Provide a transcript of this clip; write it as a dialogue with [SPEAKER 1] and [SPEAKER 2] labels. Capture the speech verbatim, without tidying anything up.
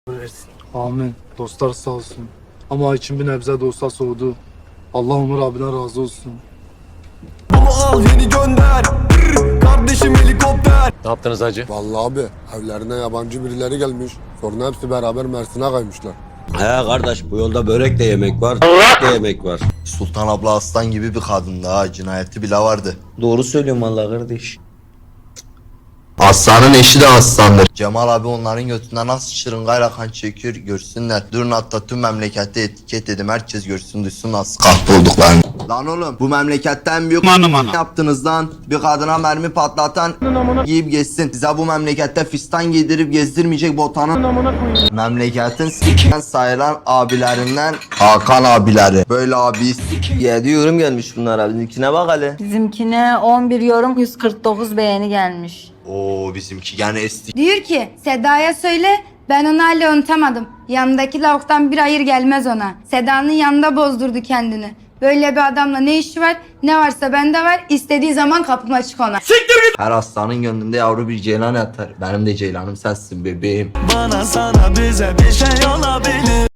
[SPEAKER 1] versin.
[SPEAKER 2] Amin. Dostlar sağ olsun. Ama için bir nebze dostlar soğudu. Allah Umur abine razı olsun.
[SPEAKER 3] Baba al yeni gönder. Brr, kardeşim helikopter.
[SPEAKER 4] Ne yaptınız hacı?
[SPEAKER 5] Vallahi abi evlerine yabancı birileri gelmiş. Sonra hepsi beraber Mersin'e kaymışlar.
[SPEAKER 6] He kardeş, bu yolda börek de yemek var, de yemek var.
[SPEAKER 7] Sultan abla aslan gibi bir kadındı ha, cinayeti bile vardı.
[SPEAKER 6] Doğru söylüyorum vallahi kardeş.
[SPEAKER 7] Aslanın eşi de aslandır. Cemal abi onların götünden nasıl şırıngayla kan çekiyor görsünler. Durun hatta tüm memlekette etiket dedim, herkes görsün duysun nasıl kahpe olduklarını. Lan oğlum bu memleketten büyük ne yaptınız lan? Bir kadına mermi patlatan giyip geçsin. Size bu memlekette fistan giydirip gezdirmeyecek botanın memleketin s**ken sayılan abilerinden Hakan abileri. Böyle abi
[SPEAKER 6] Yedi yorum gelmiş bunlara, bizimkine bak hele.
[SPEAKER 8] Bizimkine on bir yorum yüz kırk dokuz beğeni gelmiş.
[SPEAKER 7] Oo bizimki gene esti.
[SPEAKER 9] Diyor ki Seda'ya söyle ben onu hala unutamadım. Yanındaki lavuktan bir hayır gelmez ona. Seda'nın yanında bozdurdu kendini. Böyle bir adamla ne işi var? Ne varsa bende var. İstediği zaman kapım açık ona.
[SPEAKER 7] Her aslanın gönlünde yavru bir ceylan yatar. Benim de ceylanım sensin bebeğim.
[SPEAKER 3] Bana sana bize bir şey olabilir.